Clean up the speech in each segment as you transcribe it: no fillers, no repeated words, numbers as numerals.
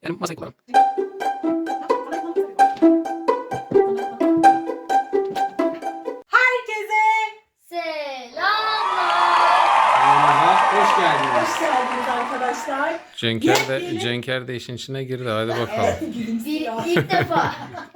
Yani masayı kullanalım. Herkese Selamlar. Hoş geldiniz. hoş geldiniz arkadaşlar. Cenker de işin içine girdi. Hadi bakalım. İlk defa.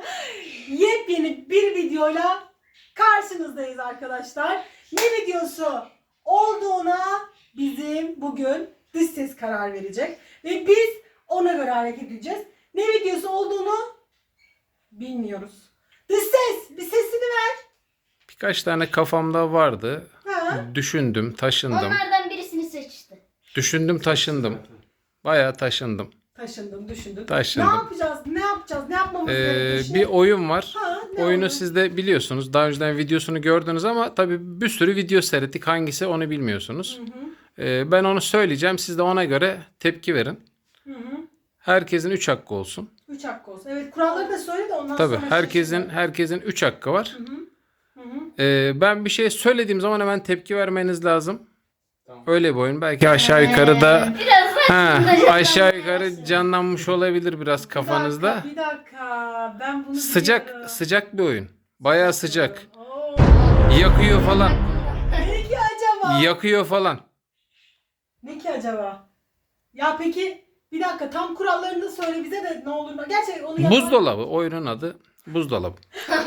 Yepyeni bir videoyla karşınızdayız arkadaşlar. Ne videosu olduğuna bizim bugün dış ses karar verecek. Ve biz ona göre hareket edeceğiz. Ne videosu olduğunu bilmiyoruz. Dış ses bir sesini ver. Birkaç tane kafamda vardı. Ha? Düşündüm, taşındım. Onlardan birisini seçti. Düşündüm, taşındım. Bayağı taşındım. Taşındım, düşündüm. Taşındım. Ne yapacağız? Ne yapacağız? Ne yapmamız gerekiyor? Bir oyun var. Ha, ne Oyunu oyunu? siz de biliyorsunuz. Daha önceden videosunu gördünüz ama tabii bir sürü video seyrettik. Hangisi onu bilmiyorsunuz. Ben onu söyleyeceğim. Siz de ona göre tepki verin. Hı hı. Herkesin 3 hakkı olsun. 3 hakkı olsun. Evet, kuralları da söyle de ondan Tabii sonra herkesin 3 hakkı var. Hı hı. Ben bir şey söylediğim zaman hemen tepki vermeniz lazım. Öyle bir oyun. Belki aşağı yukarı da aşağı yukarı canlanmış olabilir biraz kafanızda. Bir dakika. Ben bunu biliyorum. Sıcak bir oyun. Bayağı sıcak. Oo. Yakıyor falan. Ne ki acaba? Yakıyor falan. Ne ki acaba? Ya peki bir dakika tam kurallarını da söyle bize de ne olur. Gerçi onu yapalım. Buzdolabı. Oyunun adı buzdolabı.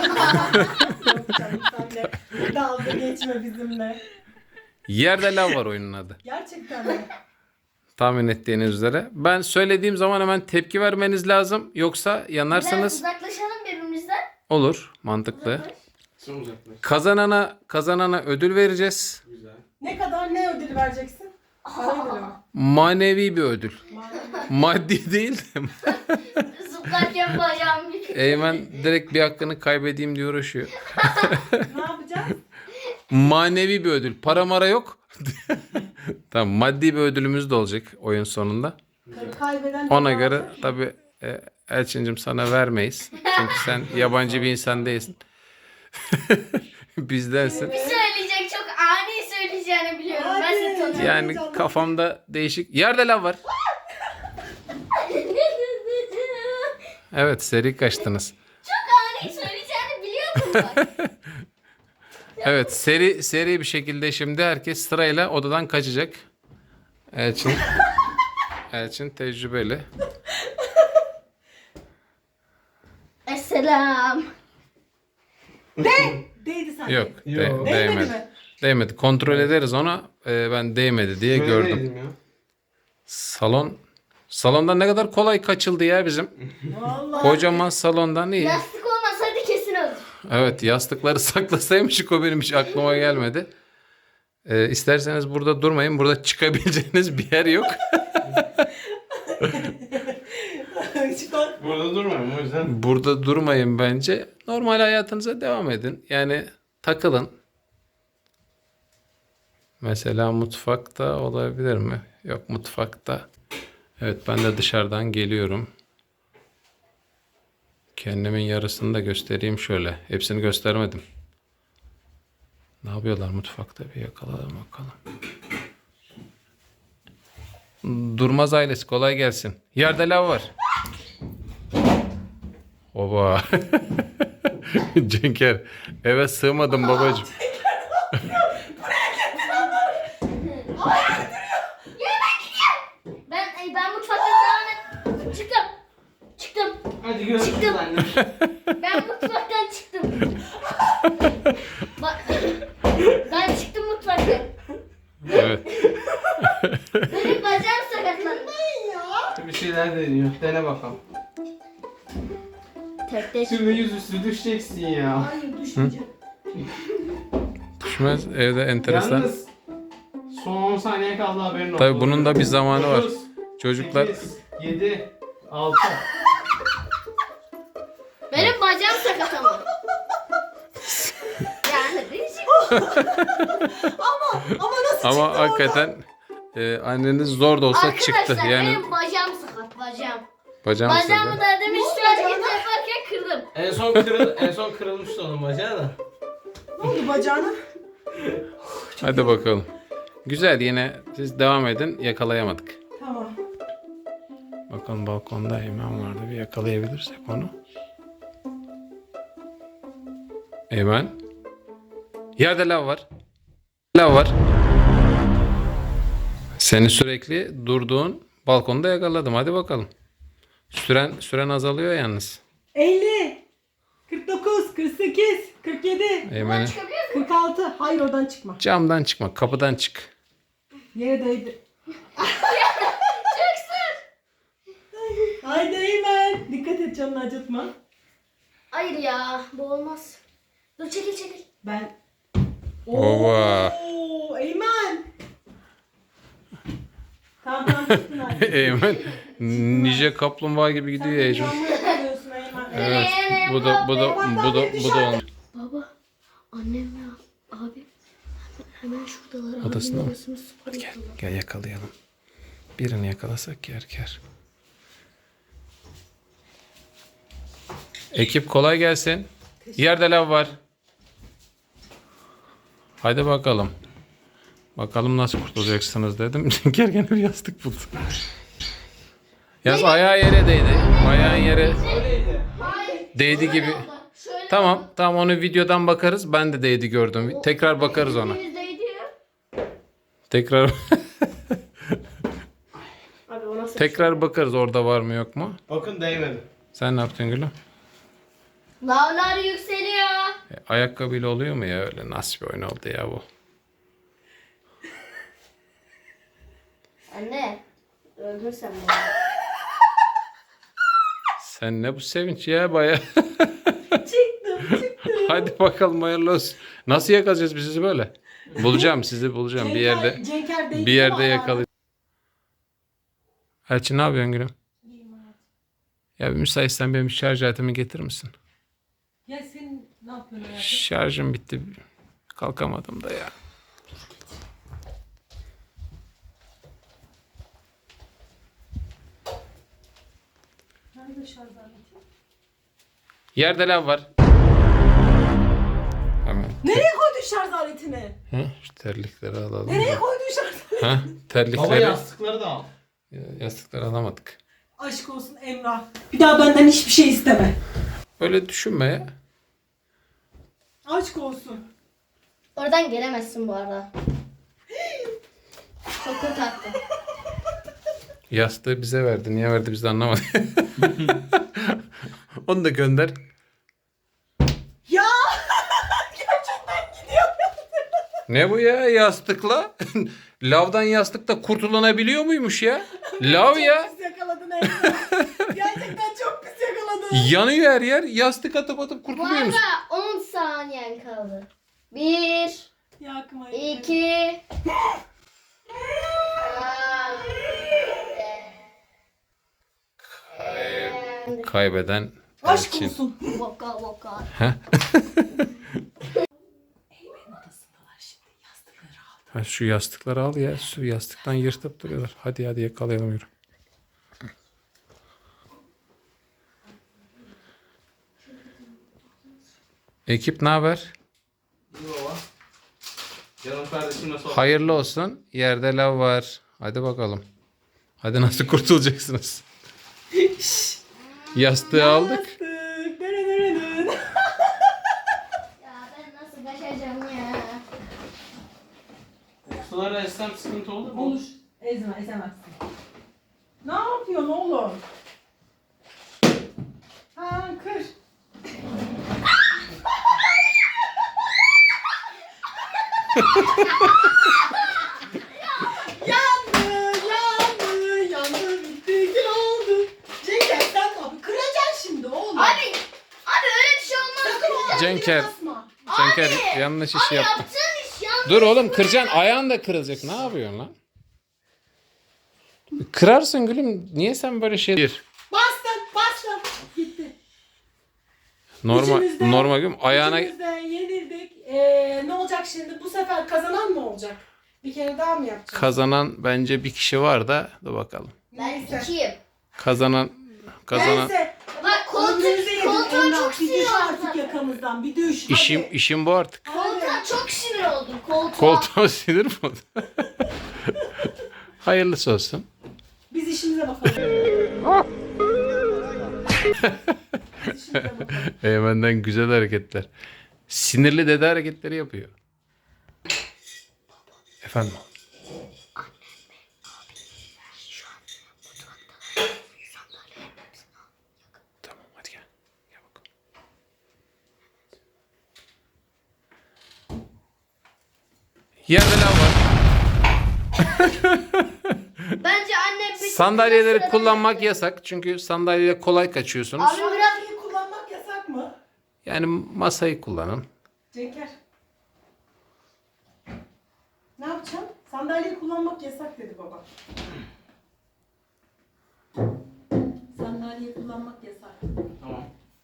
Yok canım, sen de dalga geçme bizimle. Yerde lav var oyunun adı. Gerçekten mi? Tahmin ettiğiniz üzere. Ben söylediğim zaman hemen tepki vermeniz lazım. Yoksa Biraz yanarsanız uzaklaşalım birbirimizden. olur. Mantıklı. Son uzaklaş. Kazanana ödül vereceğiz. Güzel. Ne kadar ne ödül vereceksin? Para ödülü mü? Manevi bir ödül. Manevi. Maddi değil de. Zıplarken bacağım bir. Eymen direkt bir hakkını kaybedeyim diye uğraşıyor. Ne yapacağız? Manevi bir ödül. Para mara yok. Tamam, maddi bir ödülümüz de olacak oyun sonunda. Kaybeden Ona de göre varsa- tabii Elçincim sana vermeyiz. Çünkü sen yabancı bir insan değilsin. Bizdensin. Bir söyleyecek çok ani söyleyeceğini biliyorum. Ben Hadi. seni tanıyorum. Yani kafamda değişik. Yerde lav var. Evet, seri kaçtınız. Çok ani söyleyeceğini biliyordum bak. Evet, seri bir şekilde şimdi herkes sırayla odadan kaçacak. Elçin tecrübeli. Esselam. Değdi sanki. Yok, Yok. Değmedi değmedi. mi? Değmedi. Kontrol ederiz ona. Ben değmedi diye gördüm. Gördüm. Ya. Salonda ne kadar kolay kaçıldı ya bizim. Vallahi. Kocaman salondan iyi. Lastik olmasaydı kesin öldür. Evet, yastıkları saklasaymışık, o benim hiç aklıma gelmedi. İsterseniz burada durmayın. Burada çıkabileceğiniz bir yer yok. Burada durmuyorum o yüzden. Burada durmayın bence. Normal hayatınıza devam edin. Yani takılın. Mesela mutfakta olabilir mi? Yok, mutfakta. Evet, ben de dışarıdan geliyorum. Kendimin yarısını da göstereyim şöyle. Hepsini göstermedim. Ne yapıyorlar mutfakta, bir yakalayalım bakalım. Durmaz ailesi, kolay gelsin. Yerde lav var. Oba. Cenker, eve sığmadım babacığım. Ben mutfaktan devam et. Çıktım. Hadi görüşürüz Çıktım. anne. Ben mutfaktan çıktım. Bak, ben çıktım mutfaktan. Evet. Benim bacağım sakatlandı. Bir şeyler deniyor. Dene bakalım. Tek Şimdi yüzüstü düşeceksin ya. Hayır düşmeyeceğim. Düşmez, evde enteresan. Yalnız son 10 saniye kaldı, haberin olsun. Tabii bunun da bir zamanı var. 9, Çocuklar 8, 7, 6. Benim bacağım sakat ama. Yani değişik. Ama nasıl ama çıktı hakikaten anneniz zor da olsa çıktı. Arkadaşlar Yani benim bacağım sakat bacağım. bacağım Bacağımı sığdı. da demiş şu hareket yaparken kırdım. En son kırılmıştı onun bacağı da. Ne oldu bacağına? Hadi bakalım. Güzel, yine siz devam edin. Yakalayamadık. Tamam. Bakın balkonda Eymen vardı. Bir yakalayabilirsek onu. Eymen. Yerde lav var. Lav var. Seni sürekli durduğun balkonda yakaladım. Hadi bakalım. Süren azalıyor yalnız. 50, 49, 48, 47, Eymen'e. 46. Hayır oradan çıkma. Camdan çıkma. Kapıdan çık. Yere değdi. Haydi Eymen. Dikkat et, canını acıtma. Hayır ya, bu olmaz. Dur çekil. Ben... Ova. Oo, Eymen. Tamam çıktın hadi. Eymen nice kaplumbağa gibi gidiyor Sen Ecem. camı yakalıyorsun Eymen. Evet. Bu da olmuş. Baba, annem ve abi hemen şuradalar. Odasında mı? Odasını spor yapıyorlar. Gel yakalayalım. Birini yakalasak yer. Ekip kolay gelsin. Yerde lav var. Hadi bakalım. Bakalım nasıl kurtulacaksınız dedim. Gene bir yastık buldu. Yalnız ayağı yere değdi. Ayağın yere Öyleydi. değdi gibi. Şöyle Tamam onu videodan bakarız. Ben de değdi gördüm. Tekrar bakarız ona. yüzdeydi ya. Tekrar Abi o nasıl? tekrar bakarız orada var mı yok mu? Bakın değmedi. Sen ne yaptın Gülüm? Lavlar yükseliyor. Ayakkabıyla oluyor mu ya öyle? Nasıl bir oyun oldu ya bu? Anne, öldün sen beni. Sen ne bu sevinç ya baya. Çıktım. Hadi bakalım hayırlı olsun. Nasıl yakalayacağız biz sizi böyle? Sizi bulacağım bir yerde. Cenker değdi Bir yerde ama yakalayacağım. Elçin ne yapıyorsun Gülüm? Ya bir müsaitsen benim şarj aletimi getirir misin? Ya sen ne yapıyorsun hayatım? Şarjım bitti. Kalkamadım da ya. Nerede şarj aleti? Yerde lav var. Hemen. Nereye koydun şarj aletini? Hı? Şu terlikleri alalım. Nereye koydun şarj aletini? Ha? Baba Terlikleri. yastıkları da al. Yastıkları alamadık. Aşk olsun Emrah. Bir daha benden hiçbir şey isteme. Öyle düşünme ya. Aşk olsun. Oradan gelemezsin bu arada. Çok kötü attı. Yastığı bize verdi. Niye verdi biz de anlamadık. Onu da gönder. Ya gerçekten gidiyor. Ne bu ya yastıkla? Lavdan yastıkla kurtulanabiliyor muymuş ya? Lav ya. Çok pis yakaladın Emrah. Gerçekten çok pis yakaladın. Yanıyor her yer. Yastık atıp Bu kurtuluyor arada musun? 10 saniyen kaldı. 1, Yakma. 2, Kaybeden Aşk Elçin. olsun. Voka voka. Ha, şu yastıkları al ya. Şu yastıktan yırtıp duruyorlar. Hadi yakalayalım yürü. Ekip ne haber? İyi baba. Canım kardeşim nasıl oldu? Hayırlı olsun. Yerde lav var. Hadi bakalım. Hadi nasıl kurtulacaksınız? Yastığı aldık. Yastık. Dırırırırır. Ya ben nasıl kaçacağım ya? Suları essem sıkıntı olur mu? Olur. Ezemezsin. Ne yapıyorsun oğlum? Ha kır. yandı, bitti, gül oldu. Cenk sen abi kıracaksın şimdi oğlum. Abi öyle bir şey olmaz. Sakın oğlum, Cenker. basma. Cenker yanlış iş yaptın. Yaptığın iş yanlış. Dur oğlum kıracaksın. Ayağın da kırılacak. Ne yapıyorsun lan? Kırarsın gülüm. Niye sen böyle şey... Bastın. Gitti. Normal, İçimizde- normal gülüm. Ayağına... İkimiz de yenildik. Ne olacak şimdi? Bu sefer kazanan mı olacak? Bir kere daha mı yapacağız? Kazanan bence bir kişi var da. Dur bakalım. Ben Neyse. 2'yim. Kazanan... Neyse. Bak Ömrünüzü yedin koltuğa Emrah. çok Bir sinir düş oldum. artık yakamızdan. Bir düş. işim bu artık. Koltuğa çok sinir oldum. Koltuğa. Koltuğa sinir mi oldu? Hayırlısı olsun. Biz işimize bakalım. Hadi şuraya bakalım. Eymen'den güzel hareketler. Sinirli dede hareketleri yapıyor. Efendim? Tamam hadi gel. Gel bakalım. Yerde lav var. Bence annem bir Sandalyeleri sırada kullanmak yaptı. yasak. Çünkü sandalyeyle kolay kaçıyorsunuz. Abi biraz Sandalyeyi kullanmak yasak mı? Yani masayı kullanın. Cenker. Ne yapacaksın? Sandalyeyi kullanmak yasak dedi baba. Sandalyeyi kullanmak yasak. Tamam.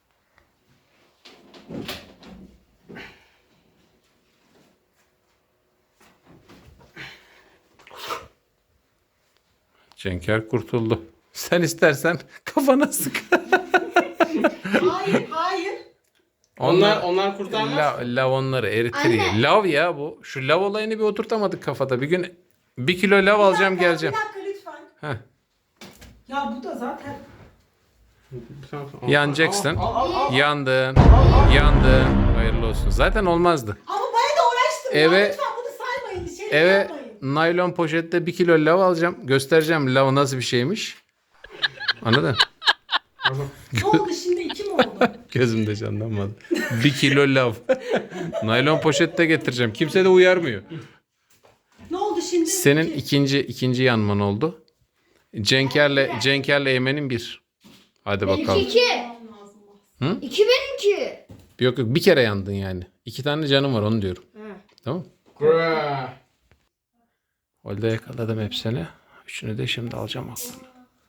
Cenker kurtuldu. Sen istersen kafana sık. Hayır, hayır. Onlar kurtarmaz. Lav onları eritir Anne. ya. Lav ya bu. Şu lav olayını bir oturtamadık kafada. Bir gün 1 kilo lav alacağım geleceğim. Bir dakika lütfen. Heh. Ya bu da zaten... Yanacaksın. Al. Yandın. Yandın. Hayırlı olsun. Zaten olmazdı. Ama bayağı da uğraştım Eve- ya. Lütfen bunu saymayın. Şey Eve yapmayın. naylon poşette 1 kilo lav alacağım. Göstereceğim lav nasıl bir şeymiş. Anladın? Ne oldu şimdi? 2 mi oldu? Gözümde canlanmadı. 1 kilo lav. Naylon poşette getireceğim. Kimse de uyarmıyor. Ne oldu şimdi? Senin 2. ikinci yanman oldu. Cenker'le Eymen'in 1. Hadi Benimki bakalım. 2. Hı? 2 benimki. Yok bir kere yandın yani. 2 tane canım var onu diyorum. Tamam. Kura. Orada yakaladım hepsini. Üçünü de şimdi alacağım aklına.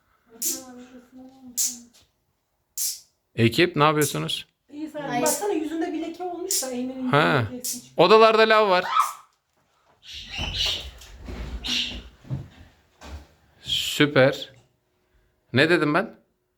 Ekip ne yapıyorsunuz? İyi sen Hayır. baksana yüzünde bir leke olmuş da Eymen'in Ha. yüzünde lekesi çıkıyor. Odalarda lav var. Süper. Ne dedim ben?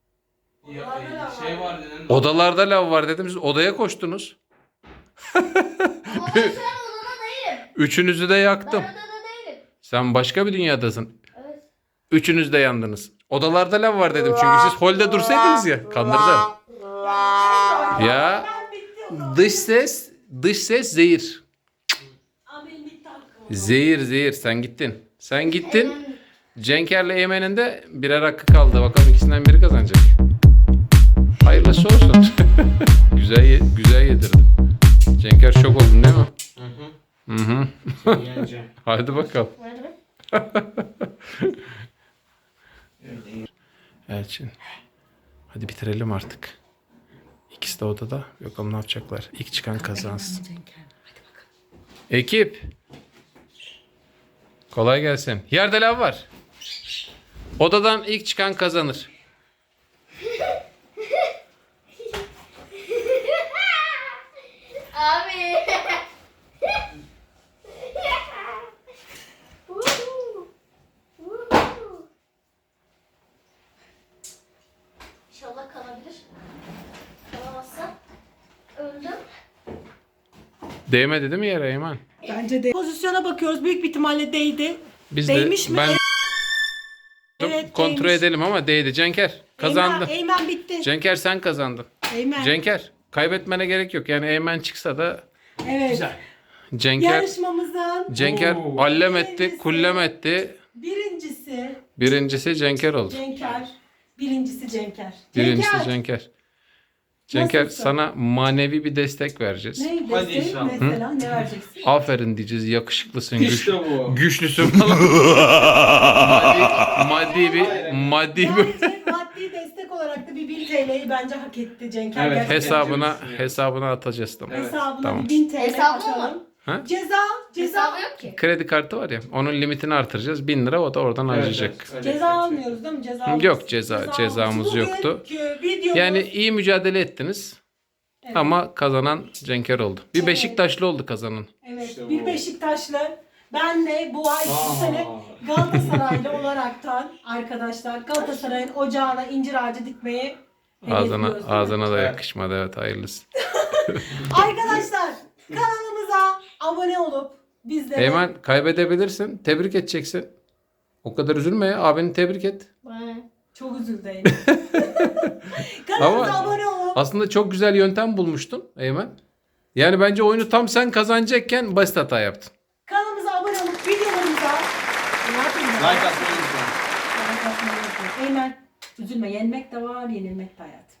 Şey var dedin. Odalarda lav var dedim. Siz odaya koştunuz. Ama ben şu an odada değilim. Üçünüzü de yaktım. Ben odada değilim. Sen başka bir dünyadasın. Evet. Üçünüz de yandınız. Odalarda lav var dedim çünkü siz holde dursaydınız ya. Kandırdım. Ya Ben bitti o zaman. dış ses zehir. Aa, benim bitti hakkım. Zehir sen gittin. Sen gittin. Cenker'le Eymen'in de birer hakkı kaldı. Bakalım ikisinden biri kazanacak. Hayırlısı olsun. güzel yedirdim. Cenker şok oldun değil mi? Hı Hı hı. hı. Yeneceğim. Hadi bakalım. Elçin. Hadi bitirelim artık. İkisi de odada. Bakalım ne yapacaklar. İlk çıkan kazansın. Ekip. Kolay gelsin. Yerde lav var. Odadan ilk çıkan kazanır. Abi. İnşallah kalabilir. Kalamazsa öldüm. Değmedi değil mi yere Eymen? Bence de. Pozisyona bakıyoruz. Büyük bir ihtimalle değdi. Biz Değmiş mi? Ben Evet, kontrol değmiş. edelim ama değdi. Cenker kazandı. Eymen bitti. Cenker sen kazandın. Eymen. Cenker kaybetmene gerek yok. Yani Eymen çıksa da Evet. Güzel. Cenker Yarışmamızın Oo. allem etti, Birincisi. kullem etti. birincisi Cenker oldu. Cenker. Birincisi Cenker. Birincisi Cenker. Cenker Nasılsın? sana manevi bir destek vereceğiz. Ne Hadi desteği inşallah. mesela ne vereceksin? Aferin diyeceğiz. Yakışıklısın, İşte bu. güçlüsün falan. maddi bir Bence maddi destek olarak da bir 1000 TL'yi bence hak etti Cenker. Evet. Gerçekten. hesabına atacağız tamam. Evet. Hesabına Tamam. bir 1000 TL Hesabı mı? atalım. Ha? Ceza Hesabı yok ki. Kredi kartı var ya. Onun limitini artıracağız. 1000 lira o da oradan harcayacak. ceza almıyoruz değil mi? Yok, cezamız Bugünkü yoktu. videomuz, Yani iyi mücadele ettiniz. evet, Ama kazanan Cenker oldu. Bir Evet. Beşiktaşlı oldu kazanan. evet, İşte bir bu. Beşiktaşlı. Ben de bu ay bu sene Galatasaraylı olaraktan arkadaşlar Galatasaray'ın ocağına incir ağacı dikmeyi hedefliyoruz, değil mi? Ağzına da Evet. yakışmadı evet hayırlısı. Arkadaşlar kanalımıza abone olup bizlere Eymen kaybedebilirsin. Tebrik edeceksin. O kadar üzülme ya. Abini tebrik et. Bana. çok üzüldü Eymen. Kanalımıza Ama abone olun. aslında çok güzel yöntem bulmuştun Eymen. Yani bence oyunu tam sen kazanacakken basit hata yaptın. Kanalımıza abone olup videolarımıza ne yapayım Like ben? atmayı unutmayın. Like atmayı unutmayın. Eymen üzülme, yenmek de var, yenilmek de hayat.